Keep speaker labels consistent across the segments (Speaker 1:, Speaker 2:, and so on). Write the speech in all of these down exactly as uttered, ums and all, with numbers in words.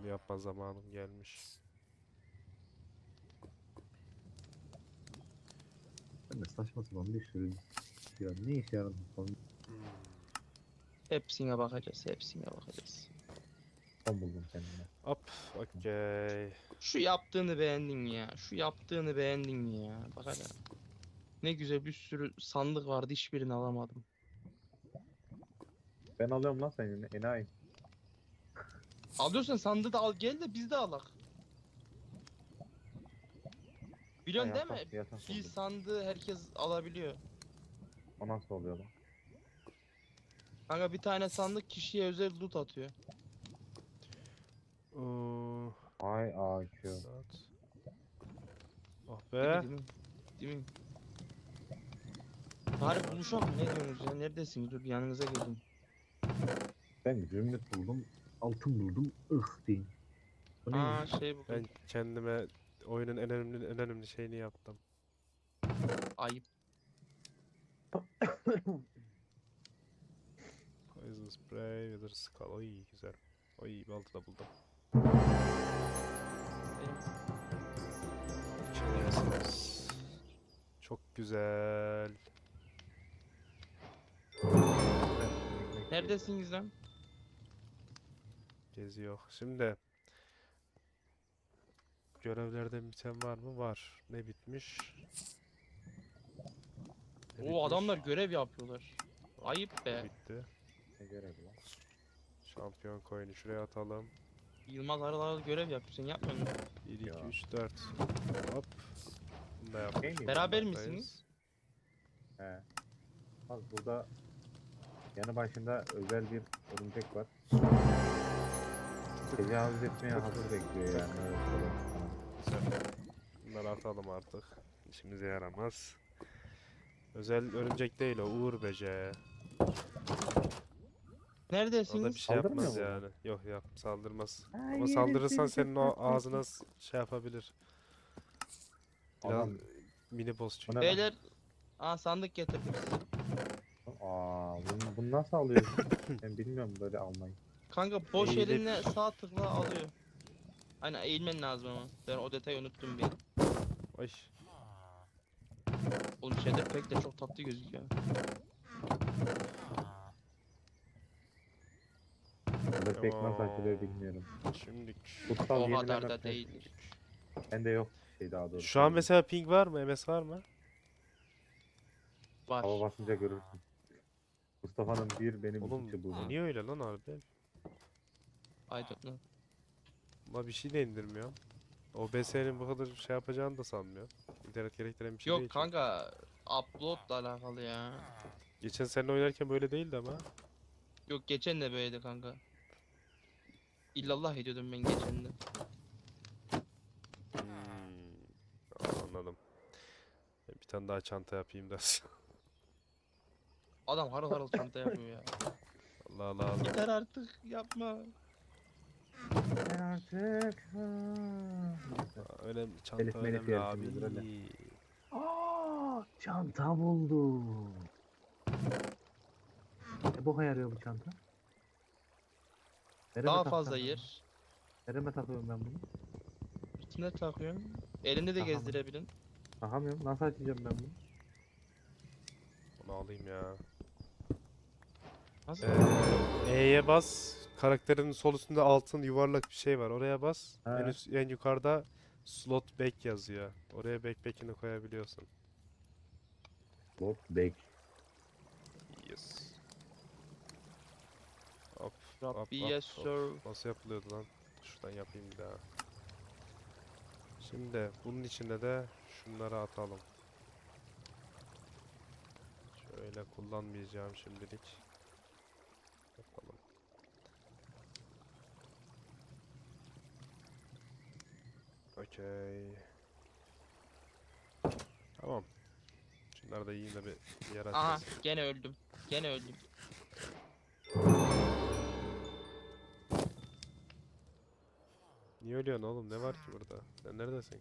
Speaker 1: Bunu yapma zamanım gelmiş.
Speaker 2: Ben de saçma sapan bir sürü ya ne işe yaradı falan
Speaker 1: Hmm.
Speaker 3: Hepsine bakacağız, hepsine bakacağız.
Speaker 2: son buldum kendime.
Speaker 1: Hop, okey.
Speaker 3: Şu yaptığını beğendin mi ya? Şu yaptığını beğendin mi ya? Bak hele. Ne güzel bir sürü sandık vardı, hiçbirini alamadım.
Speaker 2: Ben alıyorum lan senin enayi.
Speaker 3: Alıyorsan sandığı da al gel de biz de alak.
Speaker 2: Ha,
Speaker 3: Biliyorsun değil mi?
Speaker 2: yatak, yatak
Speaker 3: Bir
Speaker 2: buldum.
Speaker 3: sandığı herkes alabiliyor.
Speaker 2: O nasıl oluyor lan?
Speaker 3: Kanka bir tane sandık kişiye özel loot atıyor.
Speaker 1: Oo,
Speaker 2: Ay A Q.
Speaker 1: saat. Oh
Speaker 3: Değil mi
Speaker 1: be.
Speaker 3: değil mi? Değil mi? Bari buluşalım, ne diyorsunuz ya? Neredesiniz? Dur bir yanınıza gelin.
Speaker 2: Ben zümrüt buldum. Altın buldum. Ih deyin. Bu ne
Speaker 3: Aa
Speaker 2: ya?
Speaker 3: şey buldum.
Speaker 1: Ben kendime oyunun en önemli en önemli şeyini yaptım.
Speaker 3: Ayıp.
Speaker 1: Poison spray, wither skull. Oy güzel. Oy balta da buldum.
Speaker 3: Benim.
Speaker 1: İçerisiniz. Çok güzel.
Speaker 3: Neredesiniz lan?
Speaker 1: Geziyor. Şimdi görevlerden biten var mı? Var. Ne bitmiş? Ne
Speaker 3: O
Speaker 1: bitmiş?
Speaker 3: adamlar görev yapıyorlar. Ayıp
Speaker 1: Bu
Speaker 3: be.
Speaker 1: bitti.
Speaker 2: Ne görevi lan?
Speaker 1: Şampiyon coin'i şuraya atalım.
Speaker 3: Yılmaz aralarda görev yapıyor. Sen yapmıyor musun?
Speaker 1: bir, iki,
Speaker 2: Ya.
Speaker 1: üç, dört. Hop. Bunu da yapmış.
Speaker 2: Şey miydi?
Speaker 3: Beraber
Speaker 1: bulunmaktayız.
Speaker 3: misiniz?
Speaker 2: He. Bak burada yanı başında özel bir örümcek var. Tecavüz etmeye hazır bekliyor yani. Öyle söyleyeyim sana.
Speaker 1: Güzel. Bunları atalım artık. İşimize yaramaz. Özel örümcek değil o. Uğur böceği. O da bir
Speaker 3: Neredesiniz?
Speaker 1: şey
Speaker 2: Saldırmıyor
Speaker 1: yapmaz
Speaker 2: mu bu?
Speaker 1: yani. Yok yap saldırmaz.
Speaker 2: Ha,
Speaker 1: Ama
Speaker 2: yerim
Speaker 1: saldırırsan
Speaker 2: seni
Speaker 1: senin
Speaker 2: çok
Speaker 1: o
Speaker 2: tatlı.
Speaker 1: ağzına s- şey yapabilir. Biraz
Speaker 2: Adam.
Speaker 1: mini boss
Speaker 2: Bu
Speaker 1: çünkü.
Speaker 2: ne lan?
Speaker 3: Beyler. Aa sandık getirdim size.
Speaker 2: Aa, bunu, bunu nasıl alıyorsun? Ben bilmiyorum böyle almayı.
Speaker 3: Kanka boş
Speaker 1: Eğilip-
Speaker 3: elinle sağ tıkla alıyor. Aynen eğilmen lazım ama. Ben o detayı unuttum bir.
Speaker 1: Ay.
Speaker 3: Oğlum şeyde pek de çok tatlı gözüküyor.
Speaker 2: Burada pek nasıl açılıyor bilmiyorum.
Speaker 1: Şimdi
Speaker 2: Kutsal
Speaker 3: O
Speaker 2: yenileme
Speaker 3: kadar da
Speaker 2: pek-
Speaker 3: değildir.
Speaker 2: Bende yok şey daha doğrusu.
Speaker 1: şu an mesela ping var mı? M S var mı?
Speaker 2: Hava
Speaker 3: Var.
Speaker 2: basınca görürsün. Mustafa'nın bir benim
Speaker 1: Oğlum
Speaker 2: iki çubuğum.
Speaker 1: niye öyle lan harbi?
Speaker 3: I don't know.
Speaker 1: Ama bir şey de indirmiyor. O B S'nin bu kadar şey yapacağını da sanmıyor. İnternet gerektiren bir şey değil
Speaker 3: Yok
Speaker 1: çünkü.
Speaker 3: kanka uploadla alakalı ya.
Speaker 1: Geçen sene oynarken böyle değildi ama.
Speaker 3: Yok geçen de böyleydi kanka. İllallah ediyordum ben geçen de.
Speaker 1: Hmm. Aa, anladım. Ben bir tane daha çanta yapayım da.
Speaker 3: Adam harıl harıl çanta yapıyor ya.
Speaker 1: Allah Allah Allah.
Speaker 3: Yeter artık yapma.
Speaker 2: Ben artık.
Speaker 1: Aa, önemli çanta
Speaker 2: Elif Melif
Speaker 1: önemli abi.
Speaker 2: yarışımızdır öyle. Aa, çanta buldum. E boka yarıyor bu çanta. Nereme
Speaker 3: Daha
Speaker 2: takacağım
Speaker 3: fazla
Speaker 2: ben bunu?
Speaker 3: yer.
Speaker 2: Nereme takıyorum ben bunu?
Speaker 3: İçine takıyorsun. Elinde de
Speaker 2: Aha.
Speaker 3: gezdirebilin.
Speaker 2: Takamıyorum. Nasıl açacağım ben bunu?
Speaker 1: Onu alayım ya.
Speaker 3: Nasıl?
Speaker 1: Ee, E'ye bas. Karakterin sol üstünde altın yuvarlak bir şey var. Oraya bas.
Speaker 2: Ha.
Speaker 1: En, üst, en yukarıda slot back yazıyor. Oraya backpack'ini koyabiliyorsun.
Speaker 2: Bot bek.
Speaker 1: Yes. Hop, hop,
Speaker 3: Rabbi
Speaker 1: hop,
Speaker 3: yes
Speaker 1: hop.
Speaker 3: sir.
Speaker 1: Nasıl yapılıyordu lan? Şuradan yapayım bir daha. Şimdi bunun içine de şunları atalım. Şöyle kullanmayacağım şimdilik. Yapalım. Okey. Tamam. Şunları da yiyeyim de bir yer
Speaker 3: Aha
Speaker 1: açmasın.
Speaker 3: gene öldüm. Gene öldüm.
Speaker 1: Niye ölüyorsun oğlum? Ne var ki burada? Sen neredesin?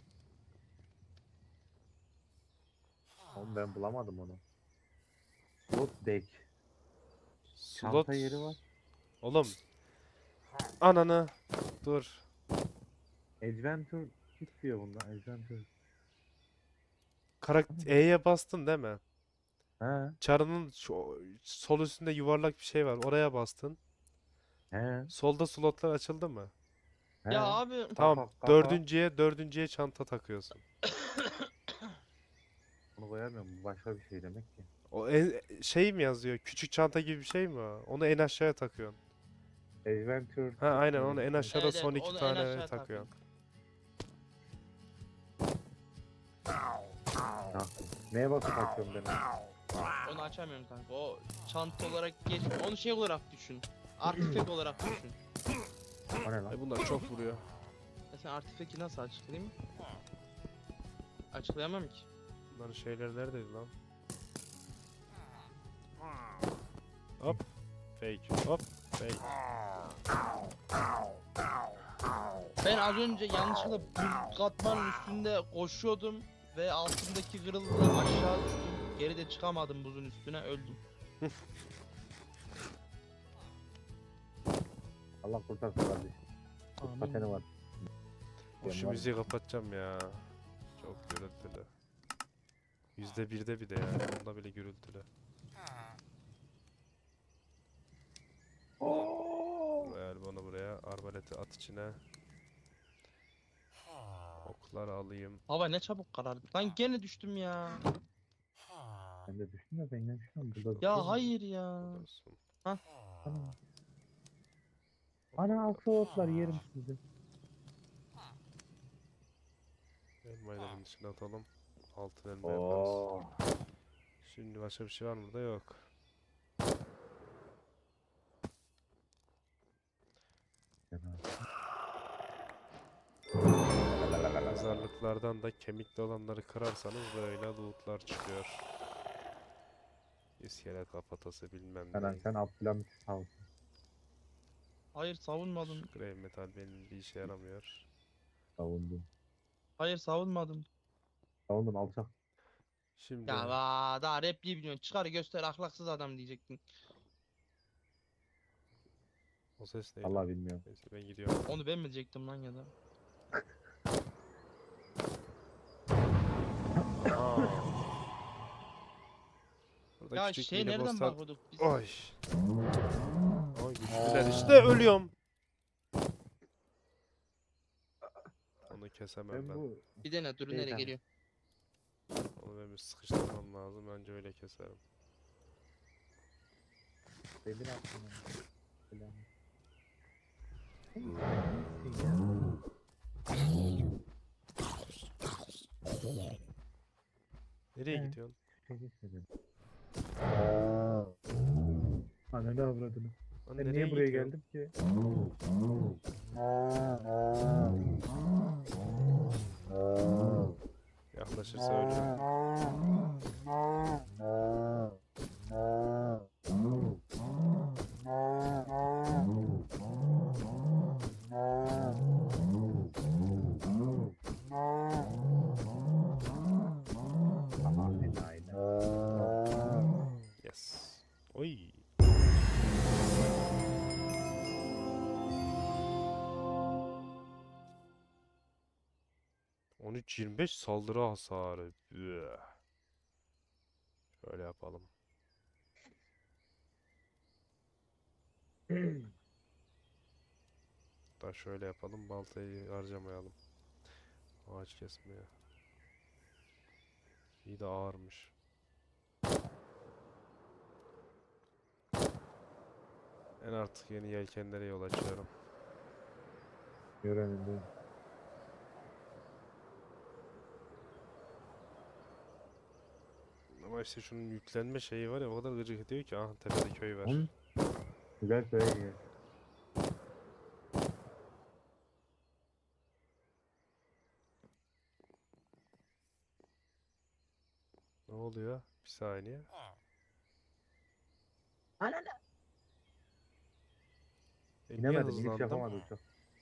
Speaker 2: Oğlum ben bulamadım onu. Bot bek.
Speaker 1: Slot.
Speaker 2: Çanta yeri var.
Speaker 1: Oğlum. Ananı. Dur.
Speaker 2: Adventure Kit diyor bunda. Adventure.
Speaker 1: Karakter E'ye bastın değil mi?
Speaker 2: He.
Speaker 1: Çarının şu, sol üstünde yuvarlak bir şey var. Oraya bastın.
Speaker 2: He.
Speaker 1: Solda slotlar açıldı mı?
Speaker 2: He.
Speaker 3: Ya abi
Speaker 1: Tamam.
Speaker 2: Kafa kafa.
Speaker 1: Dördüncüye dördüncüye çanta takıyorsun.
Speaker 2: Onu koyamıyorum. Bu başka bir şey demek ki.
Speaker 1: O en, şey mi yazıyor? Küçük çanta gibi bir şey mi o? Onu en aşağıya takıyorsun.
Speaker 2: Adventure
Speaker 1: Ha
Speaker 2: Kit
Speaker 1: aynen
Speaker 2: mi
Speaker 1: onu
Speaker 2: öyle
Speaker 1: en
Speaker 2: bir şey?
Speaker 1: aşağıda
Speaker 3: evet evet
Speaker 1: son iki
Speaker 3: onu en
Speaker 1: tane
Speaker 3: aşağı
Speaker 1: takıyorsun.
Speaker 3: takın.
Speaker 2: Ha. Neye basıp takıyorum ben onu?
Speaker 3: Onu açamıyorum kanka. O çanta olarak geçmiyor. Onu şey olarak düşün. Artifek olarak düşün.
Speaker 2: O ne
Speaker 1: Ay
Speaker 2: lan?
Speaker 1: bunlar çok vuruyor.
Speaker 3: Ya sen artifeki nasıl açıklayayım? Açıklayamam ki.
Speaker 1: Bunların şeyleri neredeydi lan? Hop. Fake. Hop. Fake.
Speaker 3: Ben az önce yanlışlıkla bir katmanın üstünde koşuyordum ve altındaki kırıldı aşağı düştüm. Geri de çıkamadım buzun üstüne öldüm.
Speaker 2: Allah kurtarsın kardeşim. Pateni var.
Speaker 1: O şu
Speaker 2: var.
Speaker 1: müziği kapatacağım ya. Çok gürültülü. Yüzde birde bir de yani. Onda bile gürültülü. Ver bunu buraya. Arbaleti at içine. Okları alayım.
Speaker 3: Hava ne çabuk karardı. Lan gene düştüm ya.
Speaker 2: Ben de düştüm de ben yemişim. Burada
Speaker 3: Ya hayır ya.
Speaker 1: Olsun.
Speaker 2: Ana. Ana aksolotlar yerim sizi.
Speaker 1: Elmayı da bunun içine atalım. Altın elma yaparız.
Speaker 2: Oo.
Speaker 1: Şimdi başka bir şey var mı burada? Yok. Mezarlıklardan da kemikli olanları kırarsanız böyle lootlar çıkıyor. İskelet kafatası bilmem
Speaker 2: Sen,
Speaker 1: ne.
Speaker 2: sen Abdülhamit sağ ol.
Speaker 3: Hayır savunmadım.
Speaker 1: Şu grey metal benim bir işe yaramıyor.
Speaker 2: Savundum.
Speaker 3: Hayır savunmadım.
Speaker 2: Savundum alçak.
Speaker 1: Şimdi
Speaker 3: Ya va, daha repliği biliyorsun. Çıkar göster ahlaksız adam diyecektin.
Speaker 1: o ses neydi?
Speaker 2: Allah bilmiyorum.
Speaker 1: Neyse ben gidiyorum.
Speaker 3: Onu ben mi diyecektim lan ya da?
Speaker 1: Aa. Burada
Speaker 3: Ya
Speaker 1: küçük
Speaker 3: şey
Speaker 1: mini
Speaker 3: nereden
Speaker 1: bosslar.
Speaker 3: bakıyorduk biz?
Speaker 1: Oy. Oy güçlüler işte ölüyorum. Onu kesemem
Speaker 2: Ben
Speaker 1: ben.
Speaker 2: bu
Speaker 3: Bir dene dur
Speaker 2: Şey,
Speaker 3: nereye
Speaker 2: tamam.
Speaker 3: geliyor.
Speaker 1: Onu ben bir sıkıştırmam lazım. Bence öyle keserim.
Speaker 2: demir attım. Falan.
Speaker 1: Nereye
Speaker 2: He.
Speaker 1: gidiyorsun?
Speaker 2: Şey geçmedim. Ananı avradını.
Speaker 1: Lan
Speaker 2: Ben
Speaker 1: nereye
Speaker 2: niye buraya
Speaker 1: gidiyorsun?
Speaker 2: geldim ki?
Speaker 1: Yaklaşırsa ölürüm.
Speaker 2: Aman enayi.
Speaker 1: Yes. Oy. on üç yirmi beş saldırı hasarı. Üh. Şöyle yapalım. Da şöyle yapalım. Baltayı harcamayalım. Ağaç kesmeye. İyi de ağırmış. Ben artık yeni yelkenlere yol açıyorum.
Speaker 2: Göremedim.
Speaker 1: Ama işte şunun yüklenme şeyi var ya o kadar gıcık ediyor ki. Ah tepede köy var.
Speaker 2: Hı? Güzel köye gel.
Speaker 1: Ne oluyor? Bir saniye. E, niye
Speaker 2: İnemedim, iniş
Speaker 1: hızlandım?
Speaker 2: yapamadım çok.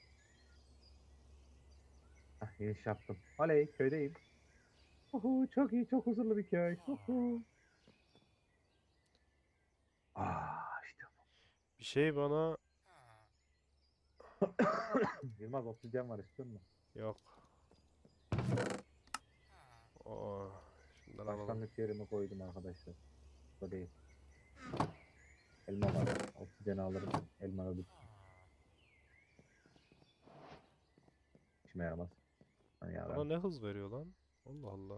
Speaker 2: Ah, iniş yaptım. Oley, köydeyim. Uhu, çok iyi, çok huzurlu bir köy. Uhu. Ah, işte
Speaker 1: Bir şey bana
Speaker 2: bu. Yılmaz obsidyen var istiyor musun?
Speaker 1: Yok. Oo. Şundan alalım.
Speaker 2: Başlangıç yerime koydum arkadaşlar. Bu değil. Elma var. Oksijen alırım. Elma alırım. İşime yaramaz. Hani
Speaker 1: Bana
Speaker 2: yarar.
Speaker 1: ne hız veriyor lan? Allah Allah.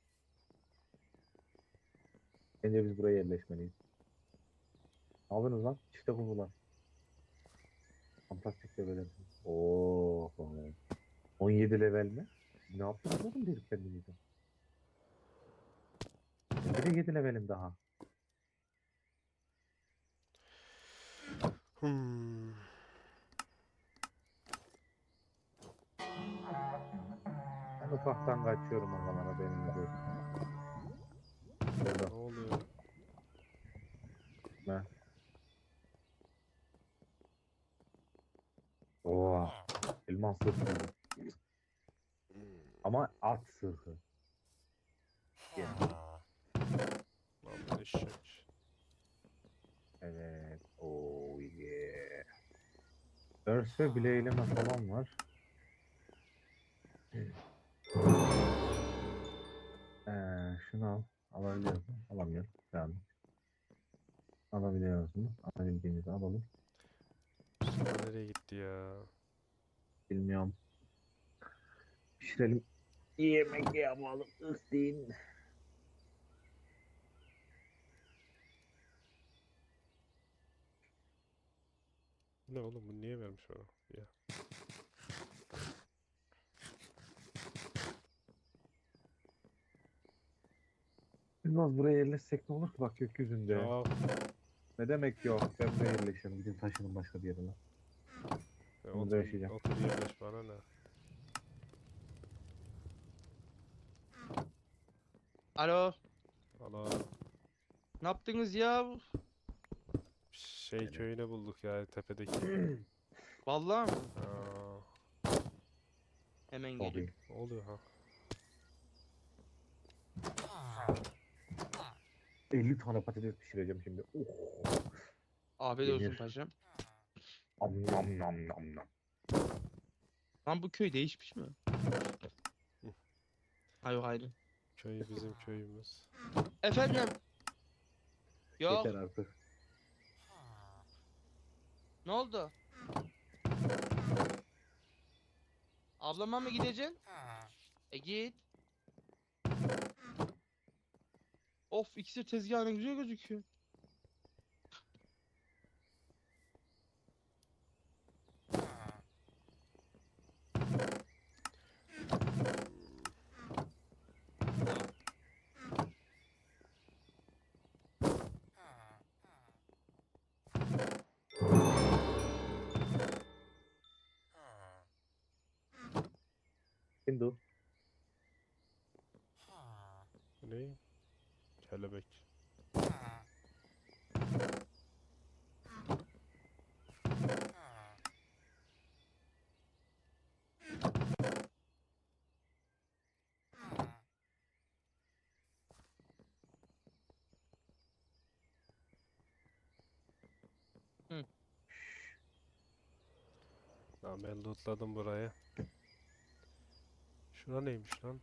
Speaker 2: Bence biz buraya yerleşmeliyiz. Ne yapıyorsunuz lan? Çifte kuzular. Fantastik level. Oo. on yedi level mi? Siz ne yaptınız oğlum dedik kendimize. Ben bir de yedi levelim daha.
Speaker 1: Hmm.
Speaker 2: Ben ufaktan kaçıyorum o zaman haberiniz olsun. Burada.
Speaker 1: Ne oluyor?
Speaker 2: Ne? Oo. Elmas sırtı. Ama at sırtı. Yani.
Speaker 1: Lan eşek.
Speaker 2: Evet. Oh yeah. Örs ve bileğleme falan var. Ee, şunu al. Alabiliyor musun? Alamıyorum. Tamam. Alabiliyor musun? Alabildiğimizi alalım.
Speaker 1: Mustafa nereye gitti ya?
Speaker 2: Bilmiyorum. Pişirelim. Yemek yapalım. Istin.
Speaker 1: Ne oğlum bu niye vermiş bana? Ya.
Speaker 2: Bilmez buraya yerleşsek ne olur ki bak gökyüzünde.
Speaker 1: Ya
Speaker 2: Ne demek yok? Ben buraya yerleşiyorum. Gidin taşının başka bir yerine.
Speaker 1: ya
Speaker 2: Ben burada
Speaker 1: otur,
Speaker 2: yaşayacağım.
Speaker 1: otur yerleş bana ne?
Speaker 3: Alo.
Speaker 1: Allah
Speaker 3: Ne yaptınız ya?
Speaker 1: şey
Speaker 2: Evet.
Speaker 1: köyüne bulduk ya tepedeki.
Speaker 3: Vallahi mi?
Speaker 1: Aa,
Speaker 3: Hemen
Speaker 2: Çok
Speaker 3: geliyorum.
Speaker 2: iyi.
Speaker 1: ne oluyor ha?
Speaker 2: elli tane patates pişireceğim şimdi. Oh.
Speaker 3: Afiyet olsun
Speaker 2: Yenir.
Speaker 3: paşam.
Speaker 2: Am nam nam nam nam.
Speaker 3: Lan bu köy değişmiş mi?
Speaker 1: Hı.
Speaker 3: Hayır hayır.
Speaker 1: Köy bizim köyümüz.
Speaker 3: Efendim? Yok.
Speaker 2: Yeter artık.
Speaker 3: Ne oldu? Ablama mı gideceksin? E git. Of iksir tezgahı ne güzel gözüküyor.
Speaker 2: Hindu.
Speaker 1: Bu ne? Kelebek.
Speaker 3: Hı.
Speaker 1: Lan ben lootladım burayı. Şura neymiş lan?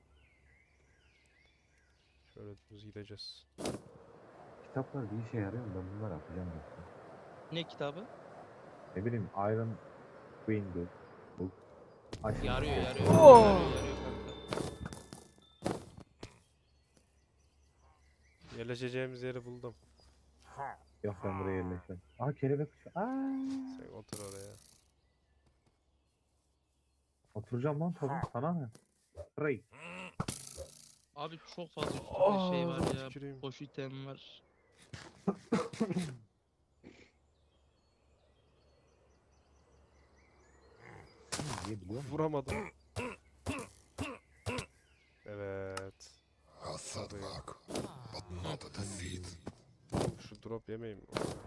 Speaker 1: Şöyle düz gideceğiz.
Speaker 2: Kitaplar bir işe yarıyor mu? Ben bunları yapacağım yoksa.
Speaker 3: Ne kitabı?
Speaker 2: Ne bileyim Iron Window. Book. Aşk
Speaker 3: Yarıyor
Speaker 2: Book.
Speaker 3: yarıyor.
Speaker 1: Oh!
Speaker 3: Yarıyor yarıyor kanka.
Speaker 1: Yerleşeceğimiz yeri buldum.
Speaker 2: Yok ben buraya yerleşmem. Aa kelebek uçuyor. Aa.
Speaker 1: Sen otur oraya.
Speaker 2: Oturacağım lan tabii. Sana ne? Ray.
Speaker 3: Abi çok fazla üstünde şey var
Speaker 1: Ağzına
Speaker 3: ya.
Speaker 1: tüküreyim.
Speaker 3: Boş item var.
Speaker 2: Niye biliyor musun?
Speaker 1: Vuramadım. Evet.
Speaker 4: A setback, but not a defeat.
Speaker 1: Oğlum şu drop yemeyeyim.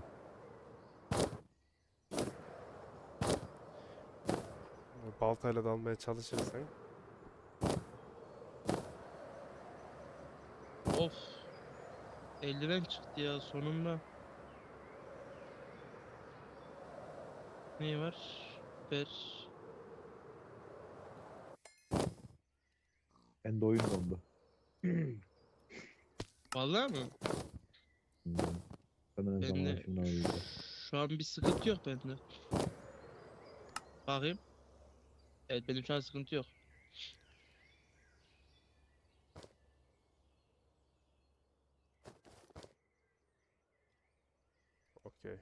Speaker 1: Baltayla dalmaya çalışırsan
Speaker 3: Of. Eldiven çıktı ya sonunda. Ne var? Ver.
Speaker 2: Ben de oyun dondu.
Speaker 3: Vallahi mı?
Speaker 2: Hmm. Hemen
Speaker 3: Ben
Speaker 2: zaman
Speaker 3: de
Speaker 2: şimdi oynayacağım.
Speaker 3: şu an bir sıkıntı yok bende. Bakayım. Evet benim şu an sıkıntı yok.
Speaker 1: Okey.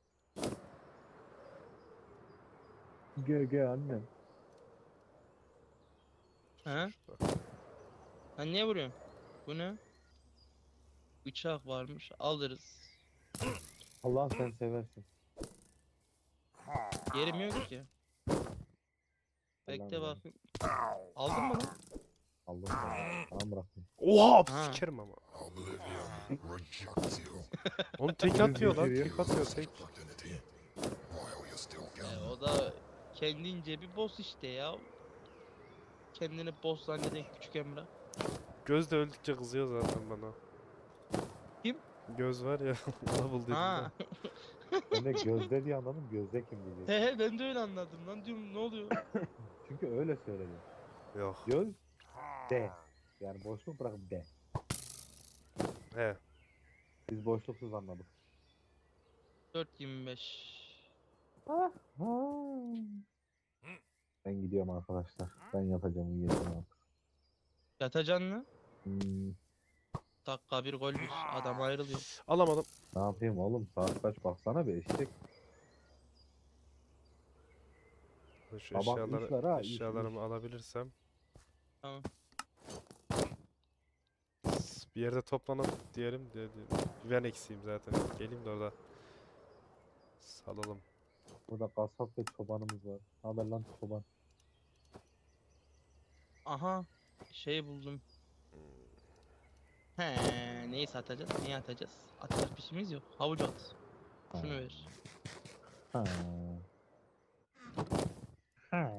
Speaker 2: Gel gel annem.
Speaker 3: He?
Speaker 1: Şurada.
Speaker 3: Sen niye vuruyorsun? Bu ne? Bıçak varmış. Alırız.
Speaker 2: Allah sen seversin.
Speaker 3: Yerim yok ki. Bekle
Speaker 2: Allah'ım ya.
Speaker 3: bakayım. Aldın mı lan?
Speaker 2: Allah seni. Tamam bıraktım.
Speaker 1: Oha
Speaker 3: Ha.
Speaker 1: sikerim ama.
Speaker 4: Oblivion rejects you.
Speaker 1: Onu tek atıyor lan. Tek atıyor tek.
Speaker 4: Identity. While you still
Speaker 3: E,
Speaker 4: can.
Speaker 3: o da kendince bir boss işte ya. Kendini boss zanneden küçük Emre.
Speaker 1: Göz de öldükçe kızıyor zaten bana.
Speaker 3: Kim?
Speaker 1: Göz var ya. Ona bul dedim
Speaker 3: Ha.
Speaker 1: de.
Speaker 2: Ben de gözde diye anladım. Gözde kim diyecek.
Speaker 3: He he ben de öyle anladım lan diyorum ne oluyor?
Speaker 2: Çünkü öyle söyledi.
Speaker 1: Yok.
Speaker 2: Göz de. Yani boşluk bırakıp de.
Speaker 1: He.
Speaker 2: Biz boşluksuz anladık.
Speaker 3: dört yirmi beş.
Speaker 2: Ha. Ben gidiyorum arkadaşlar. Ben yatacağım uyuyacağım artık.
Speaker 3: Yatacaksın mı?
Speaker 2: Hmm,
Speaker 3: Dakika bir gol bir. Adam ayrılıyor.
Speaker 1: Alamadım.
Speaker 2: ne yapayım oğlum? Saat kaç baksana bir eşek.
Speaker 1: Şu
Speaker 2: Sabah
Speaker 1: eşyaları,
Speaker 2: üç var ha, üç,
Speaker 1: eşyalarımı alabilirsem.
Speaker 3: Tamam.
Speaker 1: Bir yerde toplanalım diyelim. De, de- Ben eksiğim zaten. Geleyim de orada. Salalım.
Speaker 2: Burada kasap ve çobanımız var. Haber lan çoban.
Speaker 3: Aha. Şey buldum. He, neyi satacağız? Neyi atacağız? Atacak bir şeyimiz yok. Havuç at. Şunu ver.
Speaker 2: Ha. Ha.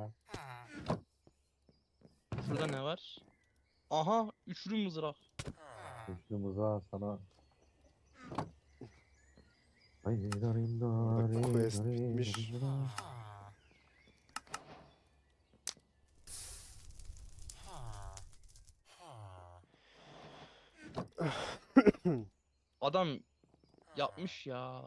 Speaker 3: Şurada ne var? Aha, üçlü mızrak.
Speaker 2: Üçlü mıza sana. Ay, darim,
Speaker 1: Burada
Speaker 2: darim,
Speaker 1: quest
Speaker 2: darim,
Speaker 1: bitmiş.
Speaker 2: darim.
Speaker 3: Adam yapmış ya.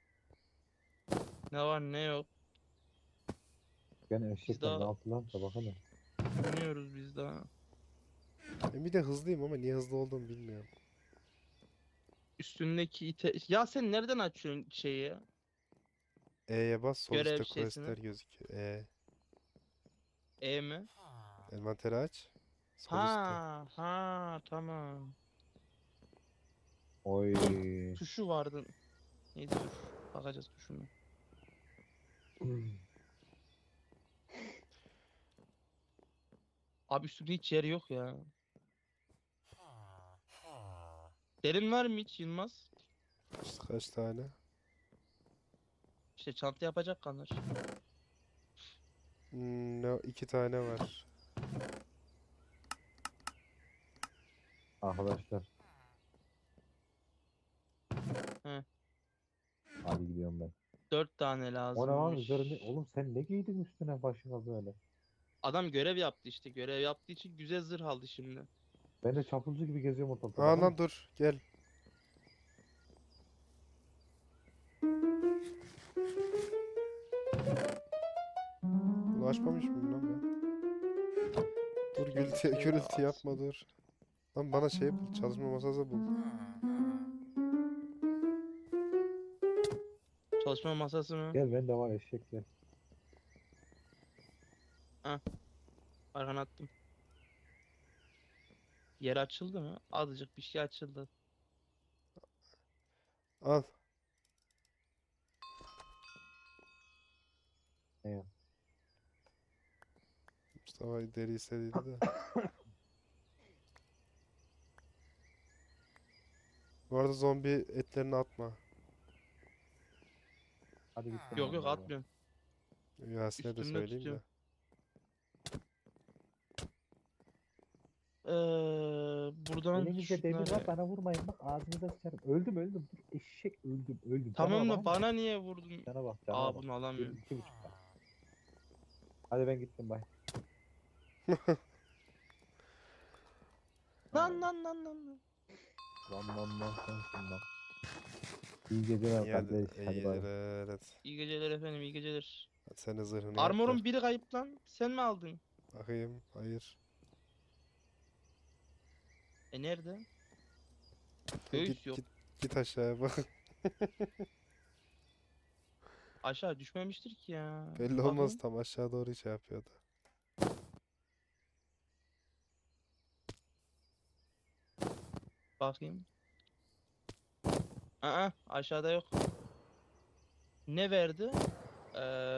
Speaker 3: Ne var ne yok.
Speaker 2: Gene eşekler
Speaker 3: daha-
Speaker 2: ne yaptılar da bakalım.
Speaker 3: Bilmiyoruz biz daha.
Speaker 1: Ben bir de hızlıyım ama niye hızlı olduğumu bilmiyorum.
Speaker 3: Üstündeki ite... Ya sen nereden açıyorsun şeyi ya?
Speaker 1: E'ye bas. Sol
Speaker 3: Görev
Speaker 1: üstte
Speaker 3: şeysini.
Speaker 1: questler gözüküyor. E.
Speaker 3: E mi?
Speaker 1: Envanteri aç. Sol üstte.
Speaker 3: Ha, ha, tamam.
Speaker 2: Oy.
Speaker 3: Tuşu vardı. Neydi dur. Bakacağız tuşuna. Abi üstünde hiç yer yok ya. Derin var mı hiç Yılmaz?
Speaker 1: İşte kaç tane?
Speaker 3: İşte çanta yapacak kanır.
Speaker 1: Hmm, ne, iki tane var.
Speaker 2: Arkadaşlar.
Speaker 3: He.
Speaker 2: Hadi gidiyorum ben.
Speaker 3: Dört tane
Speaker 2: O ne lan
Speaker 3: lazım.
Speaker 2: üzerinde? Oğlum sen ne giydin üstüne başına böyle?
Speaker 3: Adam görev yaptı işte. Görev yaptığı için güzel zırh aldı şimdi.
Speaker 2: Ben de çapulcu gibi geziyorum ortalıkta.
Speaker 1: Aa
Speaker 2: baksana.
Speaker 1: lan dur. Gel. Bunu açmamış mıyım lan ben? Dur gürültü,
Speaker 3: Şöyle
Speaker 1: gürültü yapma
Speaker 3: açsın.
Speaker 1: dur. Lan bana şey bul. Çalışma masası bul.
Speaker 3: Çalışma masası mı?
Speaker 2: Gel ben de var eşek gel.
Speaker 3: Arkana attım. Yer açıldı mı? Azıcık bir şey açıldı.
Speaker 1: Al.
Speaker 2: Ne ya?
Speaker 1: Mustafa deri istediydi de. Bu arada zombi etlerini atma.
Speaker 2: Hadi gittim.
Speaker 3: Yok
Speaker 2: ben
Speaker 3: yok
Speaker 2: de.
Speaker 3: atmıyorum.
Speaker 1: Yasin'e de
Speaker 3: Üstünde
Speaker 1: söyleyeyim de.
Speaker 3: tutuyorum. Ee, buradan
Speaker 2: Elinizde demir var
Speaker 3: şunları...
Speaker 2: bana vurmayın bak ağzınıza sıçarım. Öldüm öldüm. Dur, eşek öldüm öldüm.
Speaker 3: Tamam
Speaker 2: Cana
Speaker 3: da
Speaker 2: bak,
Speaker 3: bana niye vurdun?
Speaker 2: Cana bak cana
Speaker 3: Aa
Speaker 2: bak.
Speaker 3: bunu
Speaker 2: Dur,
Speaker 3: alamıyorum.
Speaker 2: iki buçuk tane. Hadi ben gittim bay.
Speaker 3: Lan lan lan lan. lan.
Speaker 2: Lan lan lan sensin lan. İyi geceler
Speaker 1: İyi hadi.
Speaker 2: kardeş.
Speaker 1: İyi
Speaker 2: Hadi bay.
Speaker 1: geceler. Hadi.
Speaker 3: İyi geceler efendim, iyi geceler.
Speaker 1: Hadi sen de zırhını yap da.
Speaker 3: Armor'un biri kayıp lan. Sen mi aldın?
Speaker 1: Bakayım. Hayır.
Speaker 3: E nerede?
Speaker 1: Git
Speaker 3: Göğüs yok.
Speaker 1: git git aşağıya bak.
Speaker 3: Aşağı düşmemiştir ki ya.
Speaker 1: Belli
Speaker 3: Bakayım.
Speaker 1: olmaz, tam aşağı doğru şey yapıyordu.
Speaker 3: Bakayım. Aa, aşağıda yok. Ne verdi? Ee,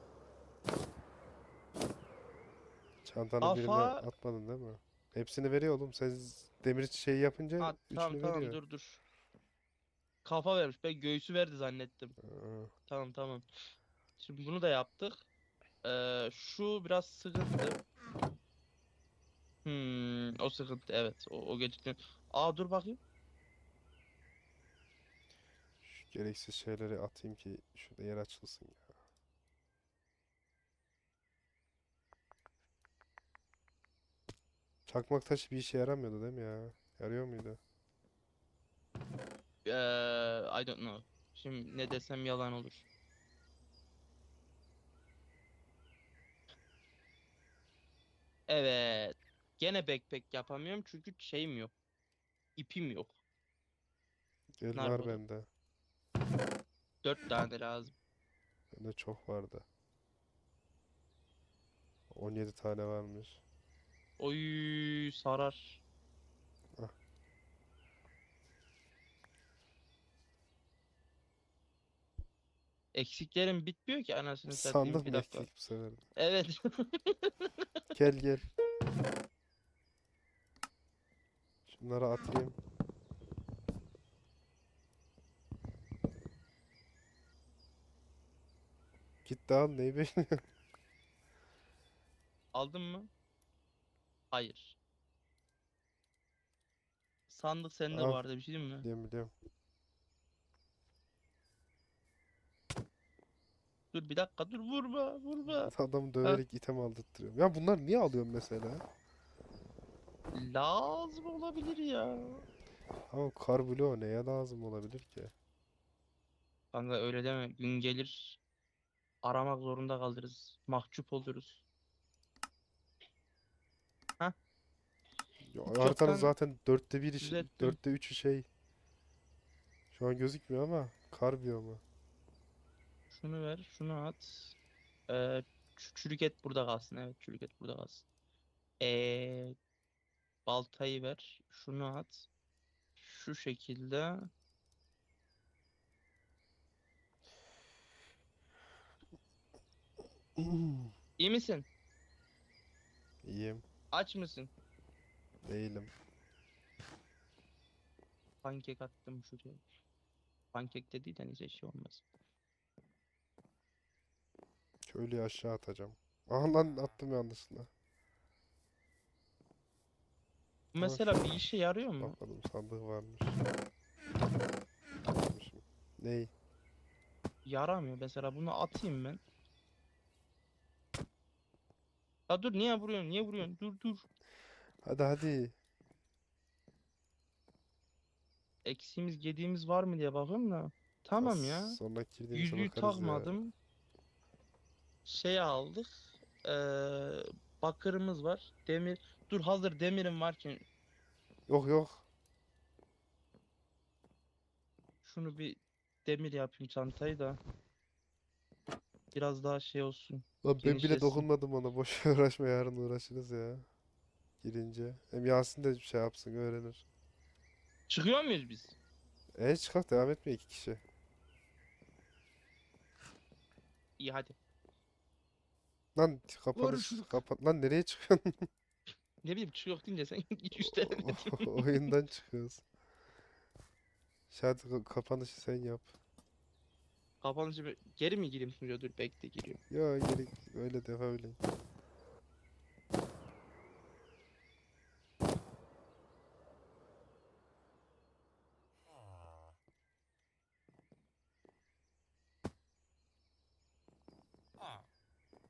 Speaker 1: Çantanın birine
Speaker 3: Kafa-
Speaker 1: atmadın değil mi? Hepsini veriyor oğlum. Sen z- demir şey yapınca
Speaker 3: ha, tamam
Speaker 1: üçünü
Speaker 3: tamam
Speaker 1: veriyor.
Speaker 3: dur dur. Kafa vermiş. Ben göğsü verdi zannettim.
Speaker 1: Aa,
Speaker 3: Tamam tamam. Şimdi bunu da yaptık. Ee, şu biraz sıkıntı. Hmm, o sıkıntı evet. O, o gerçekten. Aa dur bakayım.
Speaker 1: şu gereksiz şeyleri atayım ki şurada yer açılsın ya. Çakmak taşı bir işe yaramıyordu değil mi ya? Yarıyor muydu?
Speaker 3: Ee, I don't know. Şimdi ne desem yalan olur. Evet. Gene backpack yapamıyorum çünkü şeyim yok. İpim yok.
Speaker 1: Gel
Speaker 3: Nerede
Speaker 1: var
Speaker 3: o da?
Speaker 1: bende.
Speaker 3: Dört tane lazım.
Speaker 1: Bende çok vardı. on yedi tane varmış.
Speaker 3: Oy sarar.
Speaker 1: Ah.
Speaker 3: Eksiklerim bitmiyor ki anasını satayım.
Speaker 1: Sandım
Speaker 3: Bir dakika.
Speaker 1: eklik bu sefer. de.
Speaker 3: Evet.
Speaker 1: Gel gel. Şunları atayım. Git de al, neyi bekliyorsun?
Speaker 3: Aldın mı? Hayır. Sandık sende
Speaker 1: Al.
Speaker 3: bu arada, bir şey diyeyim mi?
Speaker 1: Biliyorum biliyorum.
Speaker 3: Dur bir dakika, dur vurma vurma.
Speaker 1: Adamı döverek item aldırtırıyorum. Ya bunlar niye alıyorum mesela?
Speaker 3: Lazım olabilir ya.
Speaker 1: Ama kar bloğu neye lazım olabilir ki?
Speaker 3: Kanka öyle deme. Gün gelir aramak zorunda kalırız. Mahcup oluruz. Hah,
Speaker 1: Ya,
Speaker 3: hiç
Speaker 1: haritanın
Speaker 3: yoktan
Speaker 1: zaten dörtte biri, şey-
Speaker 3: düzelttim.
Speaker 1: dörtte üçü şey. Şu an gözükmüyor ama kar biyomu.
Speaker 3: Şunu ver, şunu at. Ee, ç- çürük et burada kalsın. Evet, çürük et burada kalsın. Ee, baltayı ver. Şunu at. Şu şekilde. İyi misin?
Speaker 1: İyiyim.
Speaker 3: Aç mısın?
Speaker 1: Değilim.
Speaker 3: Pankek attım şuraya. Pankek de değil de neyse şey olmaz.
Speaker 1: Köylüyü aşağı atacağım. Aha lan, attım yanlışlıkla.
Speaker 3: Bu
Speaker 1: Ama
Speaker 3: mesela bir işe yarıyor mu?
Speaker 1: bakmadım, sandık varmış. Atmışım. Ney?
Speaker 3: Yaramıyor. Mesela bunu atayım ben. Ya dur, niye vuruyorsun? Niye vuruyorsun? Dur dur.
Speaker 1: Hadi hadi.
Speaker 3: Eksiğimiz gediğimiz var mı diye bakıyorum da. Tamam
Speaker 1: Az
Speaker 3: ya.
Speaker 1: sonraki girdiğimizde
Speaker 3: Yüzüğü
Speaker 1: bakarız ya.
Speaker 3: takmadım. Şey aldık. Ee, bakırımız var. Demir. Dur, hazır demirim varken
Speaker 1: Yok yok.
Speaker 3: şunu bir demir yapayım çantayı da. Biraz daha şey olsun.
Speaker 1: Lan ben bile
Speaker 3: Genişlesin.
Speaker 1: dokunmadım ona. Boş uğraşma, yarın uğraşırız ya. Girince. Hem Yasin de bir şey yapsın, öğrenir.
Speaker 3: Çıkıyor muyuz biz?
Speaker 1: E çıkart, devam etme iki kişi.
Speaker 3: İyi hadi.
Speaker 1: Lan kapanış
Speaker 3: Görüşürüz.
Speaker 1: kapat. Lan nereye çıkıyorsun?
Speaker 3: Ne bileyim, çıkıyor deyince sen git üstlerine.
Speaker 1: Oyundan çıkıyoruz. Hadi ka- kapanışı sen yap.
Speaker 3: Kapanışı bir- geri mi gireyim sunucuya? Dur bekle, giriyorum.
Speaker 1: Ya gerek öyle de öyle.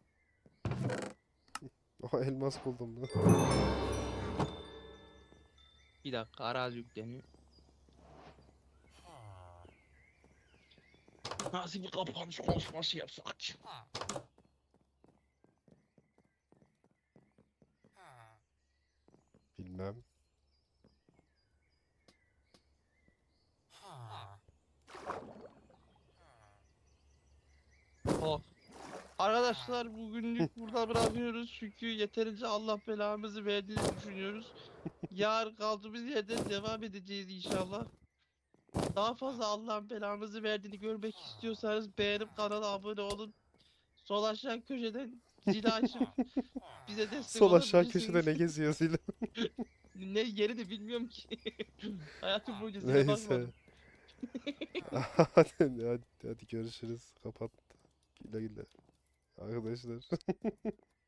Speaker 1: Oha, elmas buldum lan.
Speaker 3: Bir dakika arazi yükleniyor. Nasıl bir kapanış konuşması yapsak?
Speaker 1: Bilmem.
Speaker 3: Oh. Arkadaşlar bugünlük burada bırakıyoruz çünkü yeterince Allah belamızı verdiğini düşünüyoruz. Yarın kaldığımız yerden devam edeceğiz inşallah. Daha fazla Allah'ın belamızı verdiğini görmek istiyorsanız beğenip kanala abone olun. Sol aşağı köşeden zili açıp bize destek
Speaker 1: Sol aşağı
Speaker 3: olabilirsiniz.
Speaker 1: köşede ne geziyor zile?
Speaker 3: Ne yerini bilmiyorum ki. Hayatım boyunca zile
Speaker 1: Neyse.
Speaker 3: bakmadım.
Speaker 1: hadi, hadi, hadi görüşürüz. Kapat. Güle güle. Arkadaşlar.